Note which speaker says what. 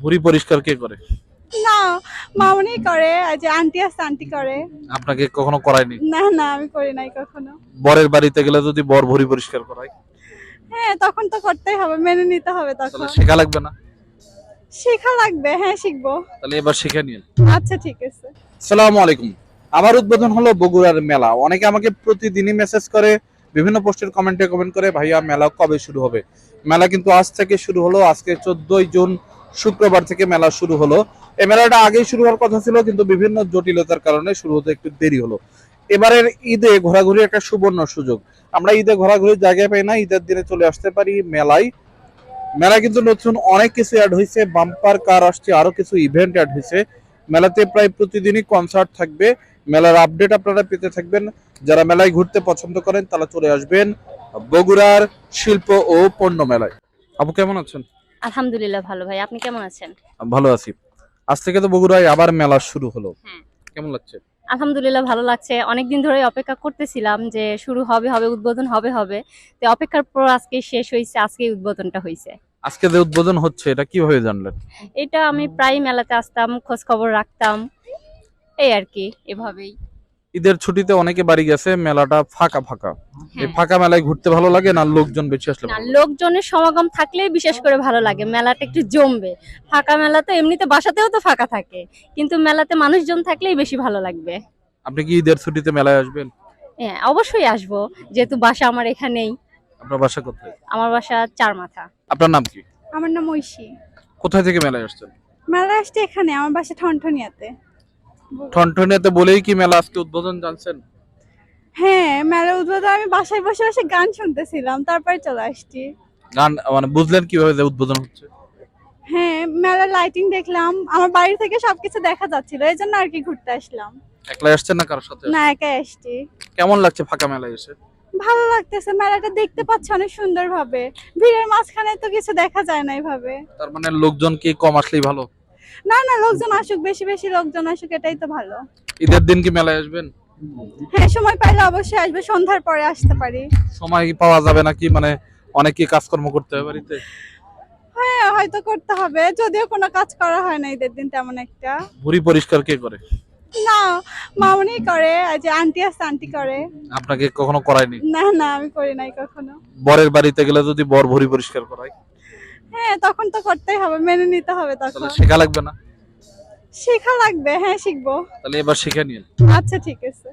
Speaker 1: ভুঁড়ি পরিষ্কার কে করে?
Speaker 2: না, মামুনি করে, আর যে আন্টি আছে আন্টি করে।
Speaker 1: আপনাকে কখনো করায়নি?
Speaker 2: না না, আমি করি নাই কখনো।
Speaker 1: বরের বাড়িতে গেলে যদি বর ভুঁড়ি পরিষ্কার করায়
Speaker 2: হ্যাঁ, তখন তো করতেই হবে, মেনে নিতে হবে
Speaker 1: তাহলে
Speaker 2: তখন।
Speaker 1: শেখা লাগবে না?
Speaker 2: শেখা লাগবে, হ্যাঁ শিখবো।
Speaker 1: তাহলে এবার শিখে নিন।
Speaker 2: আচ্ছা ঠিক আছে।
Speaker 1: আসসালামু আলাইকুম। আমার উদ্বোধন হলো বগুড়ার মেলা। অনেকে আমাকে প্রতিদিনই মেসেজ করে, বিভিন্ন পোস্টের কমেন্ট করে, ভাইয়া মেলা কবে শুরু হবে? মেলা কিন্তু আজ থেকে শুরু হলো। আজকে 14ই জুন শুক্রবার থেকে মেলা শুরু হলো। এই মেলাটা আগেই শুরু হওয়ার কথা ছিল, কিন্তু বিভিন্ন জটিলতার কারণে শুরু হতে একটু দেরি হলো। এবারের ঈদে ঘোরাঘুরি একটা সুবর্ণ সুযোগ। আমরা ঈদে ঘোরাঘুরির জায়গায় পাই না, ঈদের দিনে চলে আসতে পারি মেলায়। মেলায় কিন্তু নতুন অনেক কিছু অ্যাড হয়েছে, বাম্পার কার আসছে, আরো কিছু ইভেন্ট অ্যাড হয়েছে। মেলাতে প্রায় প্রতিদিনই কনসার্ট থাকবে। মেলার আপডেট আপনারা পেতে থাকবেন। যারা মেলায় ঘুরতে পছন্দ করেন তারা চলে আসবেন বগুড়ার শিল্প ও পণ্য মেলায়। আপু কেমন আছেন?
Speaker 3: আলহামদুলিল্লাহ ভালো ভাই, আপনি কেমন আছেন?
Speaker 1: ভালো আছি। আজ থেকে তো বগুড়ায় আবার মেলা শুরু হলো,
Speaker 3: হ্যাঁ,
Speaker 1: কেমন লাগছে?
Speaker 3: আলহামদুলিল্লাহ ভালো লাগছে। অনেকদিন ধরে অপেক্ষা করতেছিলাম যে শুরু হবে হবে উদ্বোধন হবে হবে। তো অপেক্ষার পর আজকে শেষ হয়েছে, আজকে উদ্বোধনটা হয়েছে।
Speaker 1: আজকে যে উদ্বোধন হচ্ছে এটা কিভাবে জানলেন?
Speaker 3: এটা আমি প্রায় মেলাতে আসতাম, খোঁজ খবর রাখতাম, এই আর কি, এভাবেই।
Speaker 1: ঈদের ছুটিতে অনেকে বাড়ি গেছে, মেলাটা ফাঁকা ফাঁকা। এই
Speaker 3: হ্যাঁ,
Speaker 1: ফাঁকা মেলায় ঘুরতে ভালো লাগে না লোকজন বেশি আসলে
Speaker 3: না
Speaker 1: ভালো লাগে?
Speaker 3: লোকজনের সমাগম থাকলেই বিশেষ করে ভালো লাগে, মেলাটা একটু জমবে। ফাঁকা মেলা তো এমনিতে বাসাতেও তো ফাঁকা থাকে, কিন্তু মেলাতে মানুষজন থাকলেই বেশি ভালো লাগবে।
Speaker 1: আপনি কি ঈদের ছুটিতে মেলায় আসবেন?
Speaker 3: হ্যাঁ, অবশ্যই আসবো, যেহেতু বাসা আমার এখানেই।
Speaker 1: আপনার বাসা কোথায়?
Speaker 3: আমার বাসা চার মাথা।
Speaker 1: আপনার নাম কি?
Speaker 2: আমার নাম ঐশী।
Speaker 1: কোথায় থেকে মেলায় আসছেন?
Speaker 2: মেলা আসছে এখানে, আমার বাসা ঠনঠনিয়াতে।
Speaker 1: ঠনঠনিয়াতে বলেই কি মেলা আজকে উদ্বোধন জানছেন?
Speaker 2: হ্যাঁ, মেলা উদ্বোধন আমি বাসায় বসে বসে গান শুনতেছিলাম, তারপরে চলে আসছি।
Speaker 1: গান মানে বুঝলেন কিভাবে যে উদ্বোধন হচ্ছে?
Speaker 2: হ্যাঁ, মেলার লাইটিং দেখলাম, আমার বাড়ি থেকে সবকিছু দেখা যাচ্ছিল, এই জন্য আর কি ঘুরতে আসলাম।
Speaker 1: একলাই আসছেন না কারোর সাথে
Speaker 2: না,
Speaker 1: আসছেন?
Speaker 2: একাই আসছি।
Speaker 1: কেমন লাগছে ফাঁকা মেলায় এসে?
Speaker 2: ভালো লাগতেছে, মেলাটা দেখতে পাচ্ছি অনেক সুন্দর ভাবে। ভিড়ের মাঝখানে তো কিছু দেখা যায় না এইভাবে।
Speaker 1: তার মানে লোকজন কি কম আসলেই ভালো?
Speaker 2: না না, লোকজন আসুক, বেশি বেশি লোকজন আসুক, এটাই তো ভালো।
Speaker 1: ঈদের দিন কি মেলায় আসবেন?
Speaker 2: হ্যাঁ, সময় পাইলে অবশ্যই আসবে, সন্ধ্যার পরে আসতে পারি।
Speaker 1: সময় কি পাওয়া যাবে নাকি, মানে অনেক কি কাজকর্ম করতে হবে বাড়িতে?
Speaker 2: হ্যাঁ, হয়তো করতে হবে, যদিও কোনো কাজ করা হয় না ঈদের দিন তেমন একটা।
Speaker 1: ভুঁড়ি পরিষ্কার কে করে?
Speaker 2: না, মামুনি করে, আর যে আন্টি আছে আন্টি করে।
Speaker 1: আপনাকে কখনো করায়নি?
Speaker 2: না না, আমি করি নাই কখনো।
Speaker 1: বরের বাড়িতে গেলে যদি বর ভুঁড়ি পরিষ্কার করায়
Speaker 2: হ্যাঁ, তখন তো করতেই হবে, মেনে নিতে হবে
Speaker 1: তাহলে
Speaker 2: তখন।
Speaker 1: শেখা লাগবে না?
Speaker 2: শেখা লাগবে, হ্যাঁ শিখবো।
Speaker 1: তাহলে এবার শিখে নিন।
Speaker 2: আচ্ছা ঠিক আছে।